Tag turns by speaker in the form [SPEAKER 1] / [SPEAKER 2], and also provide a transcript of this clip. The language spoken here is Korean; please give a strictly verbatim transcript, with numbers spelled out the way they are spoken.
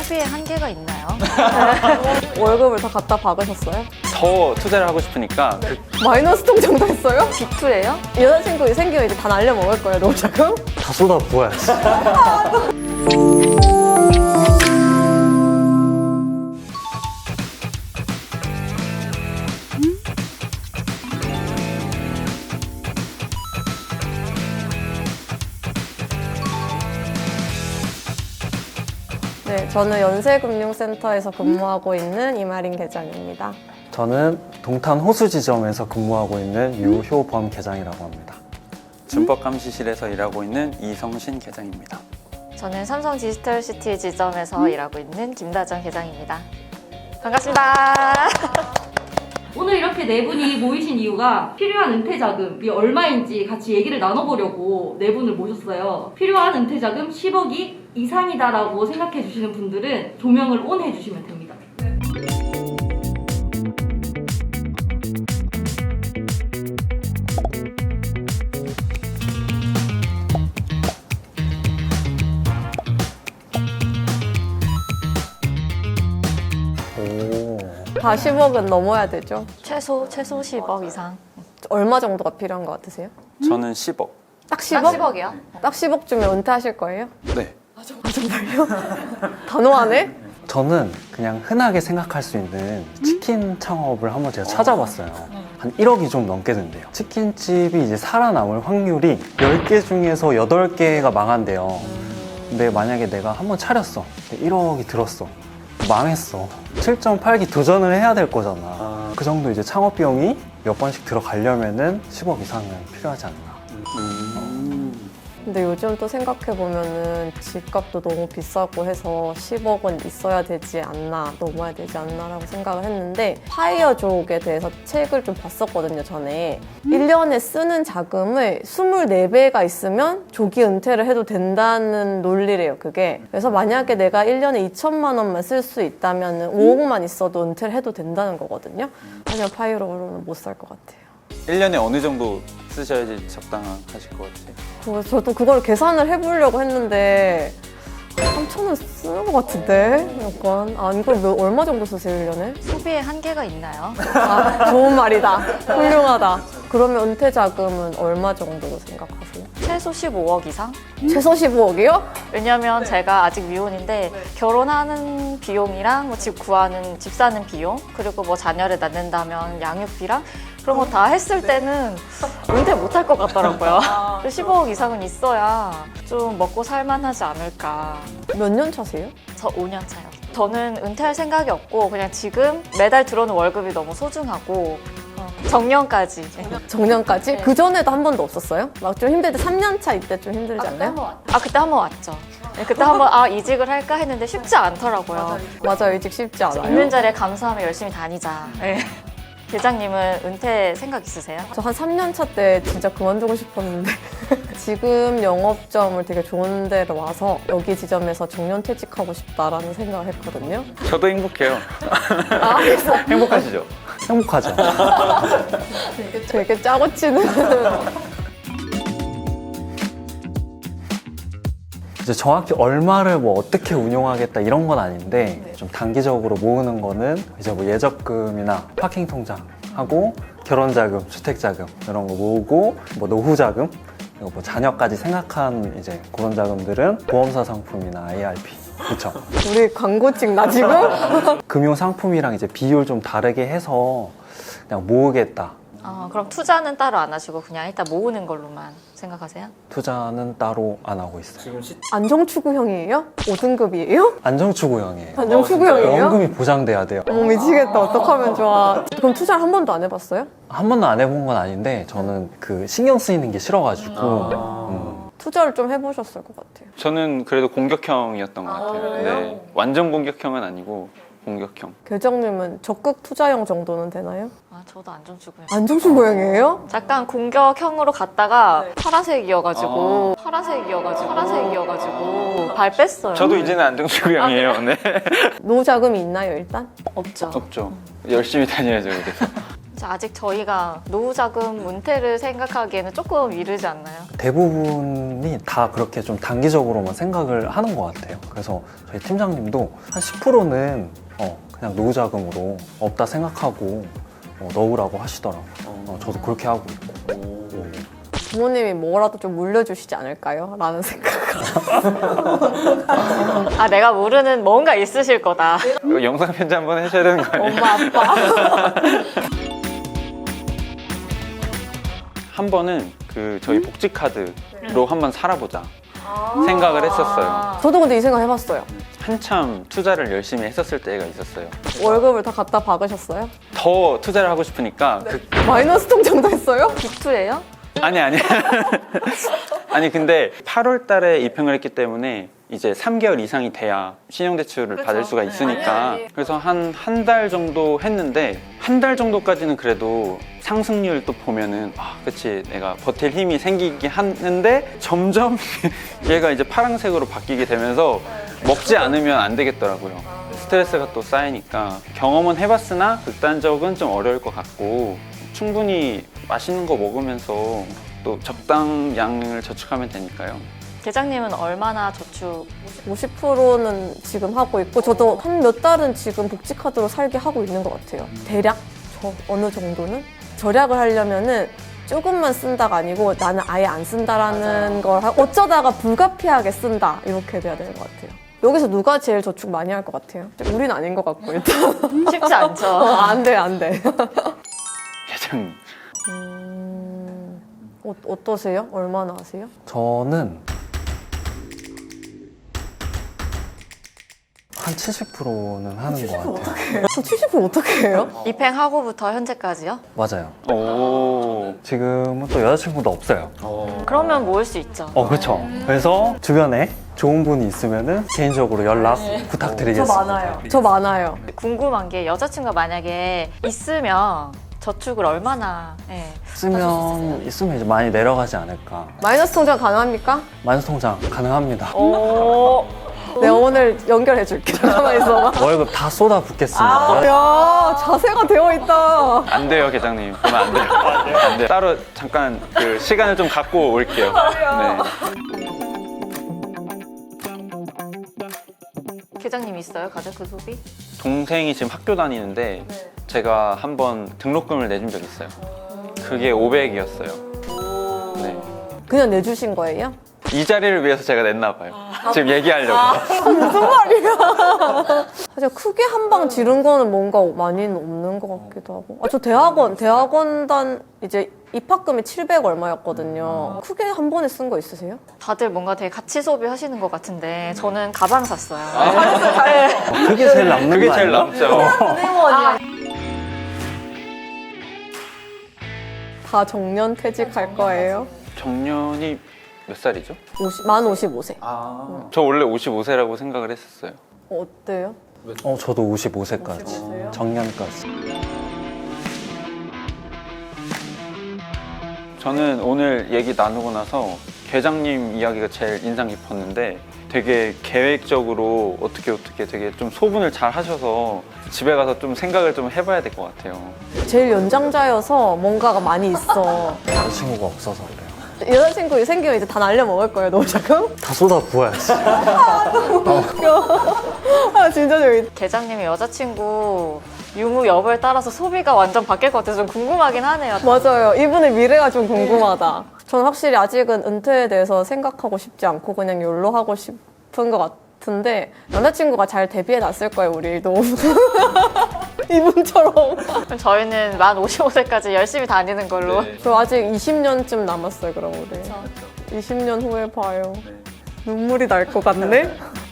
[SPEAKER 1] 소비에 한계가 있나요?
[SPEAKER 2] 월급을 다 갖다 박으셨어요?
[SPEAKER 3] 더 투자를 하고 싶으니까 그
[SPEAKER 2] 마이너스 통장도 했어요?
[SPEAKER 1] 빅투예요?
[SPEAKER 2] 여자친구 생기면 이제 다 날려 먹을 거예요, 노자금?
[SPEAKER 4] 다 쏟아 부어야지.
[SPEAKER 2] 네, 저는 연세금융센터에서 근무하고 있는 이마린 계장입니다.
[SPEAKER 4] 저는 동탄 호수지점에서 근무하고 있는 유효범 계장이라고 합니다.
[SPEAKER 3] 준법감시실에서 일하고 있는 이성신 계장입니다.
[SPEAKER 1] 저는 삼성 디지털시티 지점에서 일하고 있는 김다정 계장입니다. 반갑습니다.
[SPEAKER 5] 오늘 이렇게 네 분이 모이신 이유가 필요한 은퇴자금이 얼마인지 같이 얘기를 나눠보려고 네 분을 모셨어요. 필요한 은퇴자금 십억이 이상이다라고 생각해 주시는 분들은 조명을 ON 해주시면 됩니다.
[SPEAKER 4] 오.
[SPEAKER 2] 다 십억은 넘어야 되죠?
[SPEAKER 1] 최소 최소 십억 이상.
[SPEAKER 2] 얼마 정도가 필요한 것 같으세요?
[SPEAKER 3] 저는 십억.
[SPEAKER 2] 딱
[SPEAKER 1] 딱
[SPEAKER 2] 십억?
[SPEAKER 1] 십억이요?
[SPEAKER 2] 딱 십억 주면 은퇴하실 거예요?
[SPEAKER 3] 네.
[SPEAKER 2] 단호하네?
[SPEAKER 4] 저는 그냥 흔하게 생각할 수 있는 치킨 창업을 한번 제가 찾아봤어요. 한 일억이 좀 넘게 된대요. 치킨집이 이제 살아남을 확률이 열 개 중에서 여덟 개가 망한대요. 근데 만약에 내가 한번 차렸어. 일억이 들었어. 망했어. 칠 점 팔 기 도전을 해야 될 거잖아. 그 정도 이제 창업 비용이 몇 번씩 들어가려면은 십억 이상은 필요하지 않나.
[SPEAKER 3] 음.
[SPEAKER 2] 근데 요즘 또 생각해보면은 집값도 너무 비싸고 해서 십억은 있어야 되지 않나, 넘어야 되지 않나라고 생각을 했는데 파이어족에 대해서 책을 좀 봤었거든요, 전에. 일 년에 쓰는 자금을 이십사 배가 있으면 조기 은퇴를 해도 된다는 논리래요, 그게. 그래서 만약에 내가 일 년에 이천만 원만 쓸 수 있다면 오억만 있어도 은퇴를 해도 된다는 거거든요. 하지만 파이어족으로는 못 살 것 같아요.
[SPEAKER 3] 일 년에 어느 정도 쓰셔야지 적당하실 것 같아요?
[SPEAKER 2] 그래서 저도 그걸 계산을 해보려고 했는데 삼천 원 쓰는 것 같은데? 약간 아 이걸 몇- 얼마 정도 쓰세요, 일 년에?
[SPEAKER 1] 소비에 한계가 있나요?
[SPEAKER 2] 아 좋은 말이다. 훌륭하다. 그러면 은퇴 자금은 얼마 정도 생각하세요?
[SPEAKER 1] 최소 십오억 이상?
[SPEAKER 2] 최소 십오억이요?
[SPEAKER 1] 왜냐면 제가 아직 미혼인데 결혼하는 비용이랑 뭐 집 구하는 집 사는 비용 그리고 뭐 자녀를 낳는다면 양육비랑 그런 거 다 했을 때는 은퇴 못 할 것 같더라고요. 십오억 이상은 있어야 좀 먹고 살만하지 않을까.
[SPEAKER 2] 몇 년 차세요?
[SPEAKER 1] 저 오 년 차요. 저는 은퇴할 생각이 없고 그냥 지금 매달 들어오는 월급이 너무 소중하고 어, 정년까지.
[SPEAKER 2] 정년까지? 그 전에도 한 번도 없었어요? 막 좀 힘들 때 삼 년 차 이때 좀 힘들지 않나요?
[SPEAKER 1] 아 그때 한 번 왔죠. 네, 그때 한 번 아 이직을 할까 했는데 쉽지 않더라고요.
[SPEAKER 2] 맞아요, 이직 쉽지 않아요.
[SPEAKER 1] 있는 자리에 감사하며 열심히 다니자. 네. 계장님은 은퇴 생각 있으세요?
[SPEAKER 2] 저 한 삼 년 차 때 진짜 그만두고 싶었는데 지금 영업점을 되게 좋은 데로 와서 여기 지점에서 정년퇴직하고 싶다라는 생각을 했거든요.
[SPEAKER 3] 저도 행복해요.
[SPEAKER 2] 아, 그래서
[SPEAKER 3] 행복하시죠?
[SPEAKER 4] 행복하죠?
[SPEAKER 2] 되게 짜고 치는
[SPEAKER 4] 이제 정확히 얼마를 뭐 어떻게 운용하겠다 이런 건 아닌데 좀 단기적으로 모으는 거는 이제 뭐 예적금이나 파킹 통장 하고 결혼자금, 주택자금 이런 거 모으고 뭐 노후자금 그리고 뭐 자녀까지 생각한 이제 그런 자금들은 보험사 상품이나 아이알피 그렇죠.
[SPEAKER 2] 우리 광고 찍나 지금?
[SPEAKER 4] 금융 상품이랑 이제 비율 좀 다르게 해서 그냥 모으겠다.
[SPEAKER 1] 어, 그럼 투자는 따로 안 하시고 그냥 일단 모으는 걸로만 생각하세요?
[SPEAKER 4] 투자는 따로 안 하고 있어요.
[SPEAKER 2] 안정추구형이에요? 오 등급이에요?
[SPEAKER 4] 안정추구형이에요.
[SPEAKER 2] 안정추구형이에요?
[SPEAKER 4] 원금이 보장돼야 돼요.
[SPEAKER 2] 어머 미치겠다. 어떡하면 좋아. 그럼 투자를 한 번도 안 해봤어요?
[SPEAKER 4] 한 번도 안 해본 건 아닌데 저는 그 신경 쓰이는 게 싫어가지고 음.
[SPEAKER 2] 투자를 좀 해보셨을 것 같아요.
[SPEAKER 3] 저는 그래도 공격형이었던 것 같아요. 네. 완전 공격형은 아니고 공격형.
[SPEAKER 2] 계정님은 적극 투자형 정도는 되나요?
[SPEAKER 1] 아 저도 안정추구요.
[SPEAKER 2] 안정추구형이에요?
[SPEAKER 1] 잠깐 공격형으로 갔다가 파란색이어가지고 파란색이어가지고 파란색이어가지고 발 뺐어요.
[SPEAKER 3] 저도 이제는 안정추구형이에요. 네.
[SPEAKER 2] 노자금이 있나요 일단?
[SPEAKER 1] 없죠.
[SPEAKER 3] 없죠. 열심히 다녀야죠, 그래서.
[SPEAKER 1] 아직 저희가 노후자금 은퇴를 생각하기에는 조금 이르지 않나요?
[SPEAKER 4] 대부분이 다 그렇게 좀 단기적으로만 생각을 하는 것 같아요. 그래서 저희 팀장님도 한 십 퍼센트는 어, 그냥 노후자금으로 없다 생각하고 어, 넣으라고 하시더라고요. 어, 저도 그렇게 하고 있고.
[SPEAKER 2] 부모님이 뭐라도 좀 물려주시지 않을까요? 라는 생각.
[SPEAKER 1] 아, 내가 모르는 뭔가 있으실 거다.
[SPEAKER 3] 이거 영상 편지 한번 해줘야 되는 거 아니에요?
[SPEAKER 2] 엄마, 아빠.
[SPEAKER 3] 한 번은 그 저희 복지 카드로 한번 살아보자 생각을 했었어요.
[SPEAKER 2] 저도 근데 이 생각 해봤어요.
[SPEAKER 3] 한참 투자를 열심히 했었을 때가 있었어요.
[SPEAKER 2] 월급을 다 갖다 박으셨어요?
[SPEAKER 3] 더 투자를 하고 싶으니까 그
[SPEAKER 2] 마이너스 통장도 했어요?
[SPEAKER 1] 빅투예요?
[SPEAKER 3] 아니 아니 아니 근데 팔월 달에 입행을 했기 때문에 이제 삼 개월 이상이 돼야 신용대출을 받을 수가 있으니까 그래서 한 한 달 정도 했는데 한 달 정도까지는 그래도 상승률 또 보면은 아 그치 내가 버틸 힘이 생기긴 하는데 점점 얘가 이제 파란색으로 바뀌게 되면서 먹지 않으면 안 되겠더라고요. 스트레스가 또 쌓이니까 경험은 해봤으나 극단적은 좀 어려울 것 같고 충분히 맛있는 거 먹으면서 또 적당량을 저축하면 되니까요.
[SPEAKER 1] 계장님은 얼마나 저축?
[SPEAKER 2] 오십 퍼센트는 지금 하고 있고 저도 한 몇 달은 지금 복지카드로 살게 하고 있는 것 같아요. 대략 저 어느 정도는 절약을 하려면은 조금만 쓴다가 아니고 나는 아예 안 쓴다라는 걸 하고 어쩌다가 불가피하게 쓴다 이렇게 돼야 되는 것 같아요. 여기서 누가 제일 저축 많이 할 것 같아요? 우리는 아닌 것 같고 일단
[SPEAKER 1] 쉽지 않죠.
[SPEAKER 2] 어, 안 돼, 안 돼.
[SPEAKER 3] 계장님
[SPEAKER 2] 음, 어, 어떠세요? 얼마나 하세요?
[SPEAKER 4] 저는 한 칠십 퍼센트는 하는 것 같아요.
[SPEAKER 2] 칠십 퍼센트 어떻게 해요?
[SPEAKER 1] 입행하고부터 현재까지요?
[SPEAKER 4] 맞아요.
[SPEAKER 3] 오
[SPEAKER 4] 지금은 또 여자친구도 없어요.
[SPEAKER 1] 그러면 모을 수 있죠.
[SPEAKER 4] 어, 그렇죠. 그래서 주변에 좋은 분이 있으면은 개인적으로 연락 부탁드리겠습니다.
[SPEAKER 2] 저 많아요.
[SPEAKER 1] 궁금한 게 여자친구가 만약에 있으면 저축을 얼마나 예.
[SPEAKER 4] 있으면 있으면 이제 많이 내려가지 않을까.
[SPEAKER 2] 마이너스 통장 가능합니까?
[SPEAKER 4] 마이너스 통장 가능합니다.
[SPEAKER 1] 오.
[SPEAKER 2] 내가 오늘 연결해 줄게. 잠깐만 있어봐.
[SPEAKER 4] 월급 다 쏟아 붓겠습니다.
[SPEAKER 2] 아, 야, 자세가 되어 있다.
[SPEAKER 3] 안 돼요 계장님 그러면 안 돼요. 안 돼요. 따로 잠깐 그 시간을 좀 갖고 올게요. 네.
[SPEAKER 1] 계장님 있어요? 가족 소비?
[SPEAKER 3] 동생이 지금 학교 다니는데 제가 한번 등록금을 내준 적이 있어요. 그게 오백이었어요. 네.
[SPEAKER 2] 그냥 내주신 거예요?
[SPEAKER 3] 이 자리를 위해서 제가 냈나 봐요. 지금 얘기하려고.
[SPEAKER 2] 사실 크게 한 방 지른 거는 뭔가 많이는 없는 것 같기도 하고. 아, 저 대학원, 대학원단 이제 입학금이 칠백 얼마였거든요. 크게 한 번에 쓴 거 있으세요?
[SPEAKER 1] 다들 뭔가 되게 가치 소비 하시는 것 같은데 저는 가방 샀어요.
[SPEAKER 4] 어, 그게 제일 남는
[SPEAKER 3] 그게
[SPEAKER 4] 거
[SPEAKER 3] 제일
[SPEAKER 4] 아닌가?
[SPEAKER 3] 남죠.
[SPEAKER 2] 다 정년 퇴직할 거예요?
[SPEAKER 3] 정년이 몇 살이죠?
[SPEAKER 2] 오십, 만 오십오 세.
[SPEAKER 3] 저 원래 오십오 세라고 생각을 했었어요.
[SPEAKER 2] 어때요?
[SPEAKER 4] 어, 저도 오십오 세까지. 정년까지.
[SPEAKER 3] 저는 오늘 얘기 나누고 나서 계장님 이야기가 제일 인상 깊었는데 되게 계획적으로 어떻게 어떻게 되게 좀 소분을 잘 하셔서 집에 가서 좀 생각을 좀 해봐야 될 것 같아요.
[SPEAKER 2] 제일 연장자여서 뭔가가 많이 있어.
[SPEAKER 4] 여자친구가 없어서 그래요.
[SPEAKER 2] 여자친구 생기면 이제 다 날려 먹을 거예요, 너무 자금?
[SPEAKER 4] 다 쏟아 부어야지.
[SPEAKER 2] 아, 진짜 재밌다.
[SPEAKER 1] 계장님의 여자친구 유무 여부에 따라서 소비가 완전 바뀔 것 같아서 좀 궁금하긴 하네요.
[SPEAKER 2] 맞아요. 이분의 미래가 좀 궁금하다. 저는 확실히 아직은 은퇴에 대해서 생각하고 싶지 않고 그냥 욜로 하고 싶은 것 같은데 남자친구가 잘 대비해 놨을 거예요, 우리 일도. 이분처럼.
[SPEAKER 1] 그럼 저희는 만 오십오 세까지 열심히 다니는 걸로.
[SPEAKER 2] 저 아직 이십 년쯤 남았어요, 그럼 우리. 이십 년 후에 봐요. 눈물이 날 것 같네?